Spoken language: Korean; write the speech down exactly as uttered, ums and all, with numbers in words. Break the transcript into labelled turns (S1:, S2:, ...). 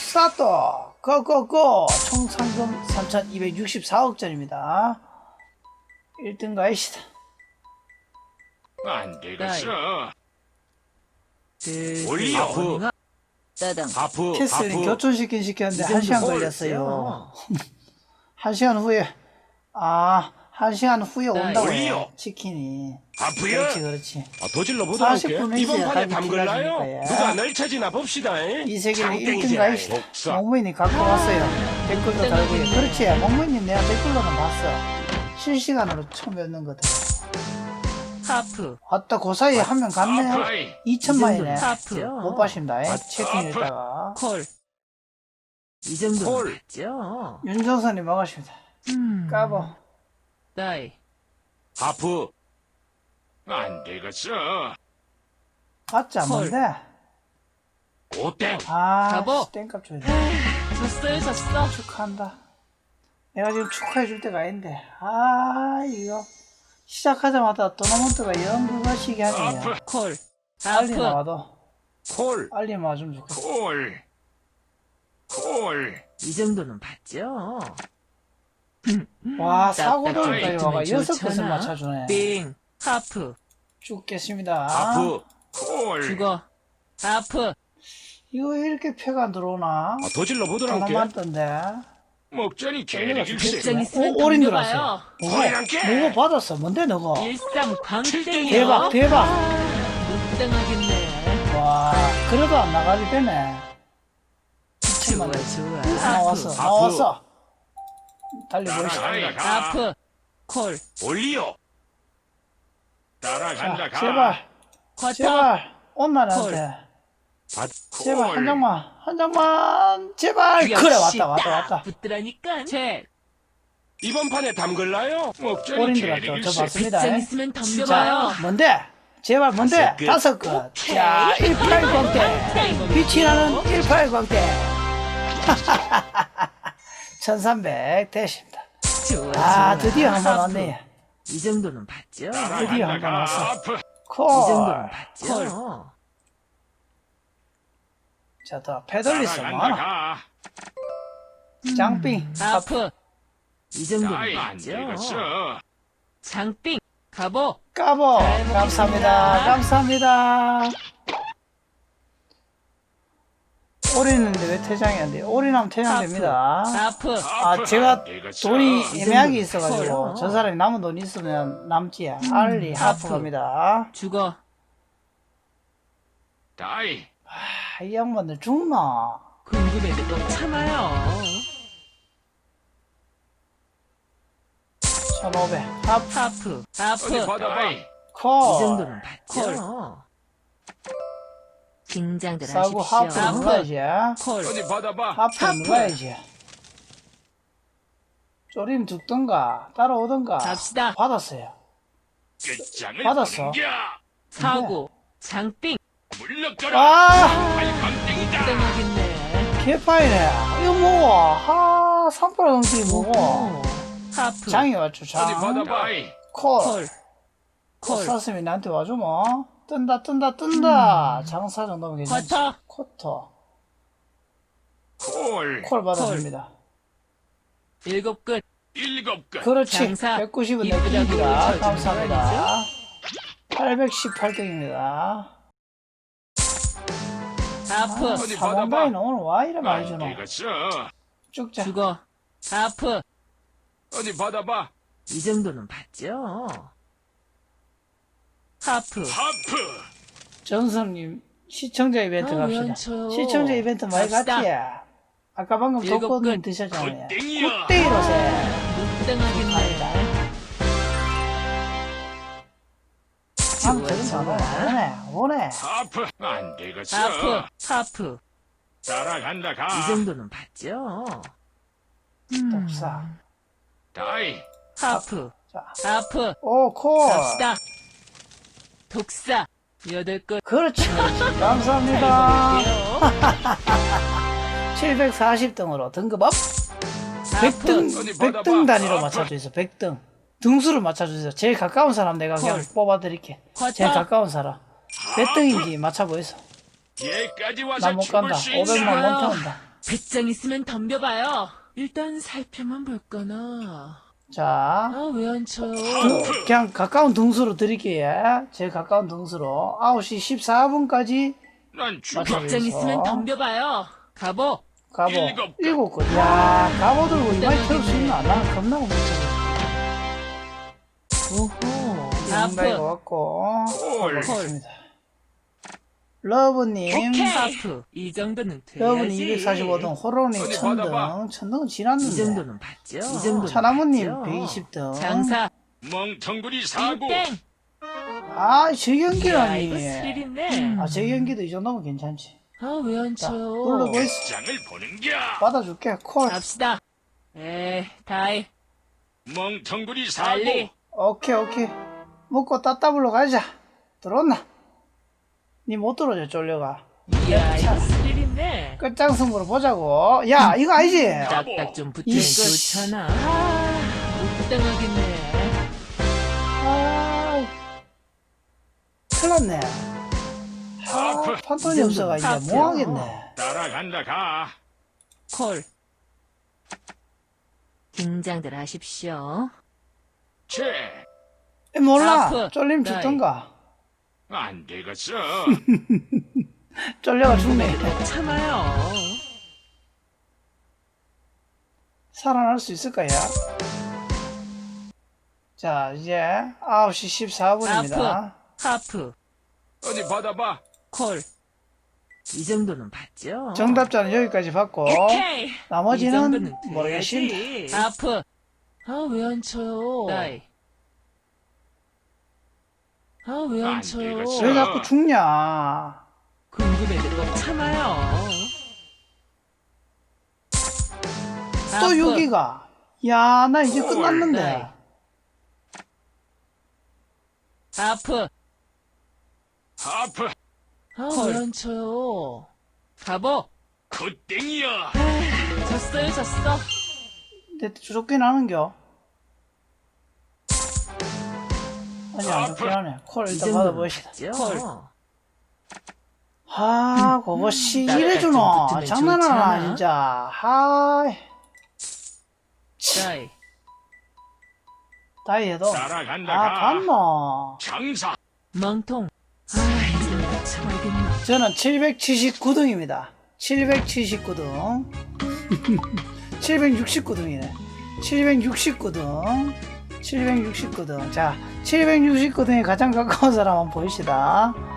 S1: 스타트! 고고고! 총 상금 삼천이백육십사억짜리입니다. 일 등 가이시다.
S2: 안 되겠어.
S3: 올리오.
S2: 하프.
S3: 따당.
S2: 하프.
S1: 캐슬링
S2: 하프.
S1: 교촌시킨 시켰는데 한 시간 걸렸어요.
S3: 걸렸어요.
S1: 한 시간 후에, 아, 한 시간 후에 온다고
S2: 올리오.
S1: 해, 치킨이.
S2: 하프야.
S1: 그렇지, 그렇지.
S2: 아, 더 보도록
S1: 사십 분
S2: 할게. 이번
S1: 있어야
S2: 판에
S1: 답이
S2: 담글라요?
S1: 필요하니까요.
S2: 누가 널 찾으나 봅시다.
S1: 이 세계는 일 등
S2: 장땡이잖아.
S1: 가이시다.
S2: 복사.
S1: 몽무인이 갖고 왔어요. 댓글도 달고요. 그렇지, 몽무인님 내가 댓글로는 봤어. 실시간으로 처음 뵙는 거든.
S3: 하프.
S1: 아따, 그 사이에 한 명 갔네.
S2: 하프라이.
S1: 이천만이네.
S3: 하프.
S1: 못 봐십니다.
S2: 아,
S1: 채팅에다가.
S3: 콜. 이 정도는
S2: 콜.
S3: 맞죠?
S1: 윤정선이 먹으십니다.
S3: 음.
S1: 까보.
S3: 다이.
S2: 하프. 안 되겠어.
S1: 봤자
S3: 헐.
S1: 뭔데?
S2: 오땡.
S1: 아,
S3: 까보.
S1: 씨, 땡값 줘야 돼.
S3: 졌어요, 졌어.
S1: 축하한다. 내가 지금 축하해줄 때가 아닌데. 아, 이거. 시작하자마자 토너먼트가 영 그거 시기 하네요.
S2: 하프.
S3: 콜.
S1: 빨리
S3: 하프.
S1: 나와도.
S2: 콜.
S1: 빨리 나와주면 좋겠어.
S2: 콜. 콜.
S3: 이 정도는 봤죠?
S1: 와,
S3: 따뜻하게
S1: 사고돌까지 와가
S3: 있으면
S1: 여섯 것을
S3: 좋잖아.
S1: 맞춰주네.
S3: 빙. 하프.
S1: 죽겠습니다.
S2: 하프. 콜.
S3: 죽어. 하프.
S1: 이거 이렇게 표가 안 들어오나?
S2: 아, 더 보도록 할게.
S1: 토너먼트인데.
S2: 목전이 개리길세.
S3: 백장 있으면
S1: 오, 올인
S3: 덤벼봐요.
S1: 들어왔어요.
S2: 거리랑 깨.
S1: 누구, 누구 받았어? 뭔데, 너거?
S3: 일상 광땡이요.
S1: 대박, 대박.
S3: 못당하겠네.
S1: 와, 그래도 안 나가도 되네.
S3: 좋아,
S1: 이천만
S3: 좋아.
S1: 나왔어,
S3: 하프.
S1: 나왔어. 달려보시죠.
S2: 따라간다.
S3: 하프. 콜.
S2: 올리오. 따라간다.
S1: 자,
S2: 가.
S1: 제발,
S3: 쿼터.
S1: 제발, 온나한테.
S2: 받.
S1: 제발,
S2: 콜.
S1: 한 장만, 한 장만, 제발. 그래,
S3: 역시
S1: 왔다, 왔다,
S3: 딱
S1: 왔다.
S3: 붙더라니까. 책.
S2: 이번 판에 담글라요? 목전이
S1: 올인 들어왔죠. 저
S2: 개리길세.
S1: 봤습니다.
S3: 백장 있으면
S1: 자,
S3: 덤벼봐요.
S1: 뭔데? 제발, 뭔데?
S2: 다섯 끝.
S1: 다섯 것. 자, 일팔 광대. 빛이 나는 일팔 광대. 천삼백 대십니다.
S3: 좋아,
S1: 아,
S3: 좋아.
S1: 드디어 한 번
S3: 하프.
S1: 왔네.
S3: 이 정도는 봤죠?
S1: 드디어 한 번 왔어.
S2: 하프.
S1: 콜.
S3: 이 정도는 봤죠?
S1: 자, 더 페달리스
S2: 따라간다.
S1: 뭐하나?
S2: 가.
S1: 장빙.
S3: 하프. 이 정도는
S2: 아이, 안
S3: 봤죠?
S2: 되겠어.
S3: 장빙. 가보.
S1: 까보.
S3: 잘 먹겠습니다.
S1: 감사합니다. 감사합니다. 올인했는데 왜 퇴장이 안 돼요? 올인하면 퇴장됩니다.
S3: 하프.
S1: 아, 제가 돈이
S3: 이
S1: 애매하게
S3: 정도는
S1: 있어가지고
S3: 커요.
S1: 저 사람이 남은 돈 있으면 남지. 알리 하프
S3: 하프.
S1: 갑니다.
S3: 죽어.
S2: 다이.
S1: 아, 이 양반들 죽나?
S3: 궁금해도 또 참아요.
S1: 천오백. 하프.
S3: 하프.
S2: 어디
S3: 하프.
S2: 받아봐.
S1: 콜.
S3: 이 정도는 봤죠? 긴장들
S1: 싸고
S3: 하십시오.
S1: 하프 눌러야지.
S3: 콜.
S2: 어디 받아봐.
S1: 하프
S3: 하프.
S1: 눌러야지. 쪼림 죽던가 따라오던가.
S3: 갑시다.
S1: 받았어요.
S2: 끝장을
S1: 받았어.
S2: 넘겨.
S3: 사고. 장빙.
S2: 물러가라.
S1: 아,
S2: 발광땡이다.
S3: 땡하겠네.
S1: 개파이네. 이거 뭐고? 하, 삼팔 경기 뭐고?
S3: 오. 하프.
S1: 장이 왔죠,
S2: 어디
S1: 장.
S2: 받아봐.
S1: 콜.
S3: 콜. 콜.
S1: 사슴이 나한테 와줘, 뭐. 뜬다, 뜬다, 뜬다. 장사 정도면 괜찮지.
S3: 쿼터.
S1: 쿼터.
S2: 콜.
S1: 콜 받아줍니다.
S3: 일곱 끝.
S2: 일곱 끝.
S1: 그렇지.
S3: 장사.
S1: 백구십은
S3: 이쁘다고
S1: 내깁니다.
S3: 쳐주는
S1: 감사합니다. 팔백십팔 등입니다.
S3: 하프.
S2: 어디
S1: 사mon다이는
S2: 받아봐.
S1: 오늘 와 이래 많이
S2: 안
S1: 주노.
S2: 되겠어.
S1: 쭉자.
S3: 죽어. 하프.
S2: 어디 받아봐.
S3: 이 정도는 봤죠? 하프.
S2: 하프.
S1: 전선님 시청자 이벤트
S3: 아,
S1: 갑시다.
S3: 왜안 쳐요?
S1: 시청자 이벤트 많이
S3: 갑시다.
S1: 갔지? 아까 방금
S3: 일곱
S1: 독거님
S3: 끝.
S1: 드셨잖아요.
S2: 굿땡이야.
S1: 굿땡이로세.
S3: 못당하겠네.
S1: 한번
S3: 좋아,
S1: 들은 거
S3: 좋아.
S1: 오네. 오네.
S2: 하프. 안 되겠어.
S3: 하프. 하프.
S2: 따라간다. 가.
S3: 이 정도는 봤죠?
S1: 독사.
S2: 다이.
S3: 하프.
S1: 자.
S3: 하프.
S1: 오, 콜.
S3: 갑시다. 독사. 여덟 끝.
S1: 그렇지, 그렇지. 감사합니다.
S3: 해볼게요.
S1: 칠백사십 등으로 등급 업. 백 등,
S2: 어디 받아봐.
S1: 백 등 단위로
S2: 아,
S1: 맞춰주세요. 백 등. 등수를 맞춰주세요. 제일 가까운 사람 내가 그냥
S3: 헐.
S1: 뽑아드릴게.
S3: 쿼터.
S1: 제일 가까운 사람. 몇 등인지 맞춰보이소.
S2: 얘까지 와서
S1: 나 못 간다.
S2: 죽을 수 있나?
S1: 오백만 못 태운다.
S3: 배짱 있으면 덤벼봐요. 일단 살펴만 볼까나.
S1: 자,
S3: 아, 왜 안 쳐요?
S1: 그냥 가까운 등수로 드릴게요. 제일 가까운 등수로. 아홉 시 십사 분까지
S2: 난 죽어.
S1: 맞아.
S3: 배짱 있으면 덤벼봐요. 가보.
S1: 가보.
S2: 일곱 건.
S1: 일곱 건. 야, 가보 들고 이마에 태울 수 있나? 나는 겁나고 못 쳐.
S3: 오호.
S1: 양다이 것
S3: 하프.
S1: 같고.
S2: 콜.
S1: 좋습니다. 러브님.
S3: 오케이. 하프. 이 정도는
S1: 러브님
S3: 돼야지.
S1: 이백사십오 등, 호로님
S2: 어디
S1: 천
S2: 받아봐.
S1: 등. 천 등은
S3: 이
S1: 지났는데.
S3: 정도는 봤죠. 이 정도는
S1: 차나무님
S3: 봤죠.
S1: 백이십 등.
S3: 장사.
S2: 멍텅구리 사고.
S3: 땡.
S1: 아, 제
S3: 야, 이거
S1: 경기라니.
S3: 스릴 있네.
S1: 아, 제 경기도 이 정도면 괜찮지.
S3: 아, 왜 안
S1: 자,
S3: 쳐요?
S1: 눌러보이스.
S2: 장을 보는겨.
S1: 받아줄게. 콜.
S3: 갑시다. 에, 다이.
S2: 멍텅구리 사고.
S3: 빨리.
S1: 오케이, 오케이. 먹고 따따블로 가자. 들어왔나? 니 못 들어줘, 쫄려가.
S3: 이야, 이거 스릴 있네.
S1: 끝장승부로 보자고. 야, 이거 아니지?
S3: 딱딱 좀 붙으면
S1: 이씨.
S3: 좋잖아. 아, 못 당하겠네.
S1: 아, 큰일 났네. 아,
S2: 하프.
S1: 판돈이 없어가 이제
S3: 하프요.
S1: 뭐 하겠네.
S2: 따라간다 가.
S3: 콜. 긴장들 하십시오.
S2: 채.
S1: 몰라.
S3: 하프.
S1: 쫄림
S3: 나이.
S1: 죽던가.
S2: 안 되겠어.
S1: 쫄려가 죽네.
S3: 참아요.
S1: 살아날 수 있을까요? 자, 이제 아홉 시 십사 분입니다.
S3: 하프.
S2: 어디 받아봐.
S3: 콜. 이 정도는 봤죠?
S1: 정답자는 여기까지 받고,
S3: 오케이. 이
S1: 나머지는
S3: 정도는
S1: 모르겠습니다.
S3: 돼야지. 하프. 아, 왜 안 쳐요? 다이. 아, 왜 안
S2: 안
S3: 쳐요?
S2: 되겠어.
S1: 왜 자꾸 죽냐?
S3: 궁금해도 꼭 참아요.
S1: 또
S3: 하프.
S1: 여기가. 야, 나 이제
S2: 헐.
S1: 끝났는데.
S3: 나이. 하프.
S2: 하프.
S3: 아, 왜 안 쳐요? 가보.
S2: 굿땡이야.
S3: 졌어요, 졌어.
S1: 내 좋긴 하는겨. 아니, 안 좋긴 하네. 콜
S3: 이
S1: 일단
S3: 정도는
S1: 받아보시다.
S3: 봤죠?
S1: 콜. 아, 그것이
S3: 나랑
S1: 이래주노.
S3: 좀 붙으면
S1: 장난하나,
S3: 좋잖아.
S1: 진짜. 하이.
S3: 다이.
S1: 다이에도.
S2: 따라간다
S1: 아,
S2: 가.
S1: 갔노.
S2: 장사.
S3: 멍통. 아, 이제 못 참아야겠네.
S1: 저는 칠백칠십구 등입니다. 칠백칠십구 등. 칠백육십구 등이네. 칠백육십구 등. 칠백육십구 등. 자, 칠백육십구 등에 가장 가까운 사람 한번 보입시다.